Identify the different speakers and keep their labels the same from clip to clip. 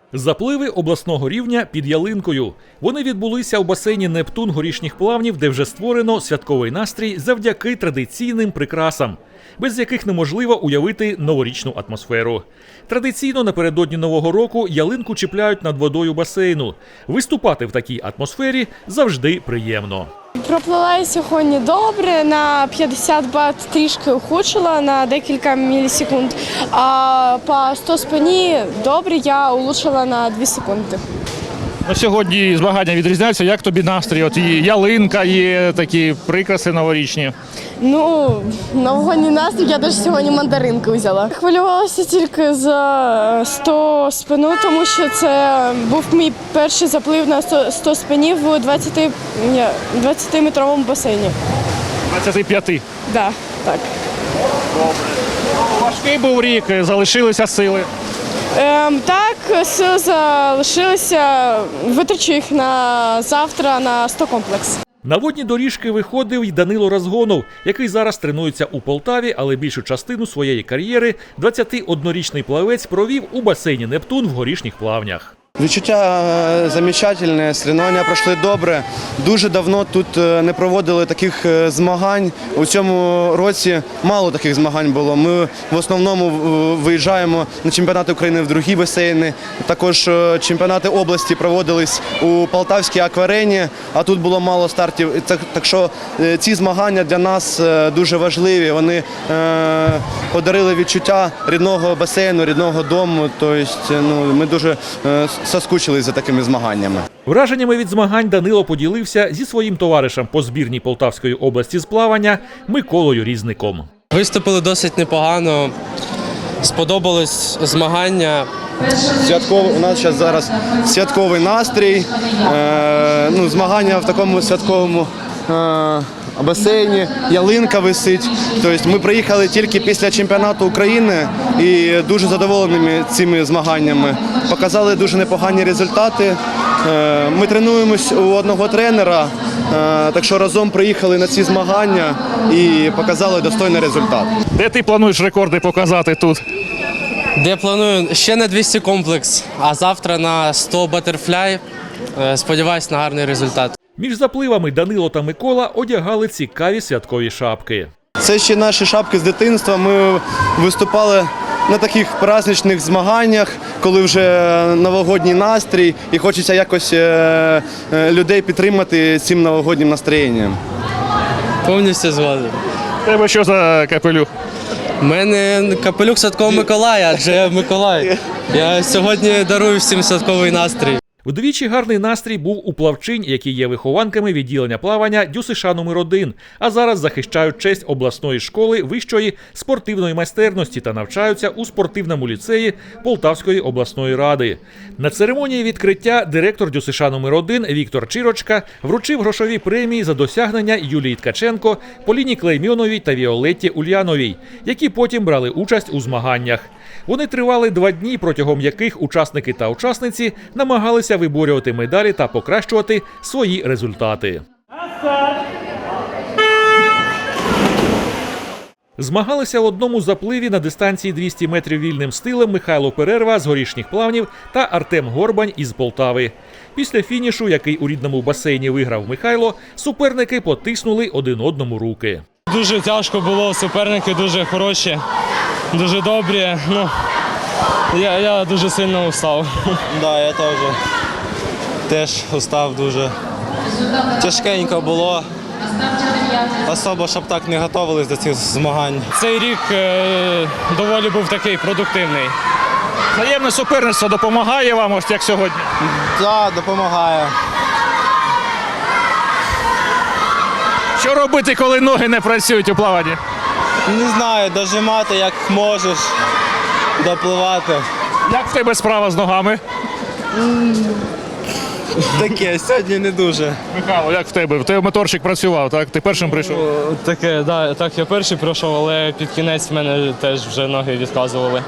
Speaker 1: Запливи обласного рівня під ялинкою. Вони відбулися у басейні «Нептун» Горішніх Плавнів, де вже створено святковий настрій завдяки традиційним прикрасам, без яких неможливо уявити новорічну атмосферу. Традиційно напередодні Нового року ялинку чіпляють над водою басейну. Виступати в такій атмосфері завжди приємно.
Speaker 2: Проплила я сьогодні добре, на 50 бат трішки ухудшила на декілька мілісекунд, а по 100 спині добре я улучшила на 2 секунди.
Speaker 3: Сьогодні змагання відрізняються. Як тобі настрій? От і ялинка є, такі прикраси новорічні.
Speaker 2: Ну, новогодній настрій, я навіть сьогодні мандаринки взяла. Хвилювалася тільки за 100 спину, тому що це був мій перший заплив на 100 спинів у 20-метровому басейні.
Speaker 3: 25.
Speaker 2: Да, так.
Speaker 3: Важкий був рік, залишилися сили.
Speaker 2: Так, сили залишилися, витрачу їх на завтра на 100 комплекс.
Speaker 1: На водні доріжки виходив й Данило Разгонов, який зараз тренується у Полтаві, але більшу частину своєї кар'єри 21-річний плавець провів у басейні «Нептун» в Горішніх Плавнях.
Speaker 4: Відчуття замечательне, соревнування пройшли добре. Дуже давно тут не проводили таких змагань. У цьому році мало таких змагань було. Ми в основному виїжджаємо на чемпіонати України в другі басейни. Також чемпіонати області проводились у Полтавській акварені, а тут було мало стартів. Так що ці змагання для нас дуже важливі. Вони подарили відчуття рідного басейну, рідного дому. Тобто, ми дуже соскучились за такими змаганнями.
Speaker 1: Враженнями від змагань Данило поділився зі своїм товаришем по збірній Полтавської області з плавання Миколою Різником.
Speaker 5: Виступили досить непогано, сподобались змагання.
Speaker 4: У нас зараз святковий настрій, змагання в такому святковому басейні, ялинка висить. Тобто ми приїхали тільки після чемпіонату України і дуже задоволені цими змаганнями. Показали дуже непогані результати. Ми тренуємось у одного тренера, так що разом приїхали на ці змагання і показали достойний результат.
Speaker 3: Де ти плануєш рекорди показати тут?
Speaker 5: Де планую ще на 200 комплекс, а завтра на 100 батерфляй. Сподіваюсь на гарний результат.
Speaker 1: Між запливами Данило та Микола одягали цікаві святкові шапки.
Speaker 4: Це ще наші шапки з дитинства. Ми виступали на таких праздничних змаганнях, коли вже новогодній настрій і хочеться якось людей підтримати цим новогоднім настроєнням.
Speaker 5: Повністю згоден.
Speaker 3: Тебе що за капелюх?
Speaker 5: У мене капелюх Святого Миколая, адже я Миколай. Я сьогодні дарую всім святковий настрій.
Speaker 1: Вдвічі гарний настрій був у плавчинь, які є вихованками відділення плавання ДЮСШ номер 1, а зараз захищають честь обласної школи вищої спортивної майстерності та навчаються у спортивному ліцеї Полтавської обласної ради. На церемонії відкриття директор ДЮСШ номер 1 Віктор Чирочка вручив грошові премії за досягнення Юлії Ткаченко, Поліні Клеймьоновій та Віолетті Ульяновій, які потім брали участь у змаганнях. Вони тривали 2 дні, протягом яких учасники та учасниці намагалися виборювати медалі та покращувати свої результати. Змагалися в одному запливі на дистанції 200 метрів вільним стилем Михайло Перерва з Горішніх Плавнів та Артем Горбань із Полтави. Після фінішу, який у рідному басейні виграв Михайло, суперники потиснули один одному руки.
Speaker 6: Дуже тяжко було, суперники дуже хороші, дуже добрі. Я дуже сильно устав.
Speaker 7: Да, я теж устав дуже. Тяжкенько було. Особо, щоб так не готувалися до цих змагань.
Speaker 6: Цей рік доволі був такий продуктивний.
Speaker 3: Взаємне суперництво допомагає вам, ось як сьогодні?
Speaker 7: Так, допомагає.
Speaker 3: Що робити, коли ноги не працюють у плаванні?
Speaker 7: Не знаю, дожимати як можеш, допливати.
Speaker 3: Як в тебе справа з ногами?
Speaker 7: Таке, сьогодні не дуже.
Speaker 3: Михайло, як в тебе? В тебе моторчик працював, так? Ти першим прийшов?
Speaker 6: Таке, да, так, я перший пройшов, але під кінець в мене теж вже ноги відказували.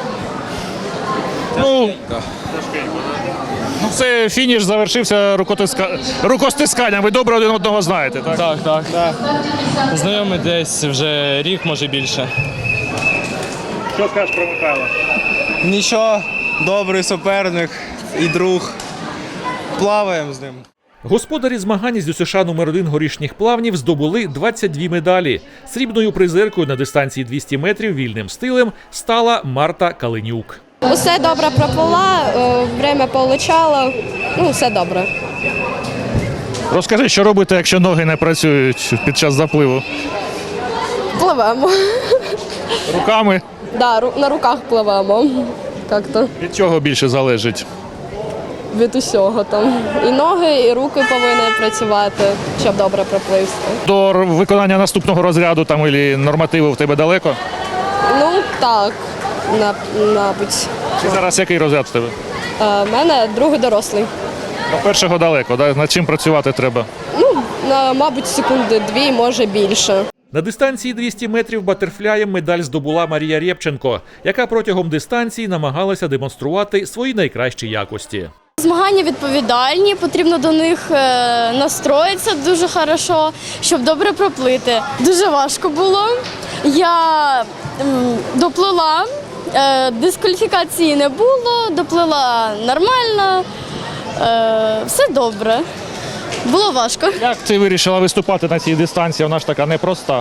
Speaker 3: Це фініш завершився рукостисканням. Ви добре один одного знаєте, так?
Speaker 6: Так. Знайомі десь вже рік, може більше.
Speaker 3: Що скажеш про Михайла?
Speaker 7: Нічого, добрий суперник, і друг. Плаваємо з ним.
Speaker 1: Господарі змагань з ДЮСШ номер 1 горішніх плавнів здобули 22 медалі. Срібною призеркою на дистанції 200 метрів вільним стилем стала Марта Калинюк.
Speaker 8: Усе добре проплила, время получала, все добре.
Speaker 3: Розкажи, що робити, якщо ноги не працюють під час запливу?
Speaker 8: Пливемо.
Speaker 3: Руками?
Speaker 8: Да, на руках пливемо. Як-то
Speaker 3: Від чого більше залежить?
Speaker 8: від усього там. І ноги, і руки повинні працювати, щоб добре пропливти.
Speaker 3: До виконання наступного розряду там і нормативу в тебе далеко?
Speaker 8: Так, мабуть.
Speaker 3: Чи зараз який розряд в тебе?
Speaker 8: У мене другий дорослий.
Speaker 3: До першого далеко, да? Над чим працювати треба?
Speaker 8: Мабуть, секунди 2, може більше.
Speaker 1: На дистанції 200 метрів батерфляєм медаль здобула Марія Рєпченко, яка протягом дистанції намагалася демонструвати свої найкращі якості.
Speaker 2: Змагання відповідальні, потрібно до них настроїтися дуже хорошо, щоб добре проплити. Дуже важко було. Я доплила, дискваліфікації не було, доплила нормально, все добре. Було важко.
Speaker 3: Як ти вирішила виступати на цій дистанції? Вона ж така непроста.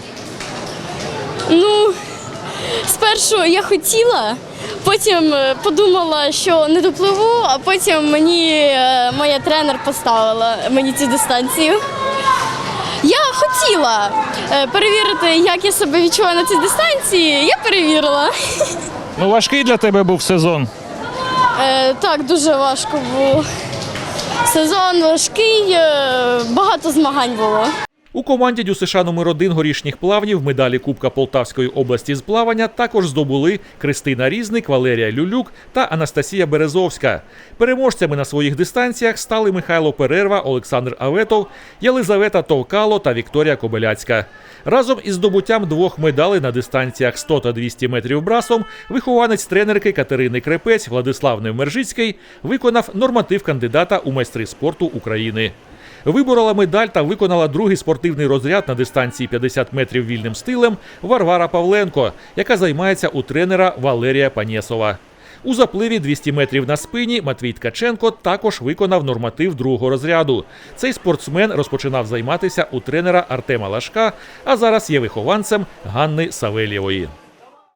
Speaker 2: Спершу я хотіла, потім подумала, що не допливу, а потім мені моя тренер поставила мені цю дистанцію. Я хотіла перевірити, як я себе відчуваю на цій дистанції. Я перевірила.
Speaker 3: Важкий для тебе був сезон?
Speaker 2: Так, дуже важко було. Сезон важкий, багато змагань було.
Speaker 1: У команді ДЮСШ номер 1 горішніх плавнів медалі Кубка Полтавської області з плавання також здобули Кристина Різник, Валерія Люлюк та Анастасія Березовська. Переможцями на своїх дистанціях стали Михайло Перерва, Олександр Аветов, Єлизавета Товкало та Вікторія Кобиляцька. Разом із здобуттям 2 медалей на дистанціях 100 та 200 метрів брасом вихованець тренерки Катерини Крепець Владислав Невмержицький виконав норматив кандидата у майстри спорту України. Виборола медаль та виконала другий спортивний розряд на дистанції 50 метрів вільним стилем Варвара Павленко, яка займається у тренера Валерія Панєсова. У запливі 200 метрів на спині Матвій Ткаченко також виконав норматив другого розряду. Цей спортсмен розпочинав займатися у тренера Артема Лашка, а зараз є вихованцем Ганни Савельєвої.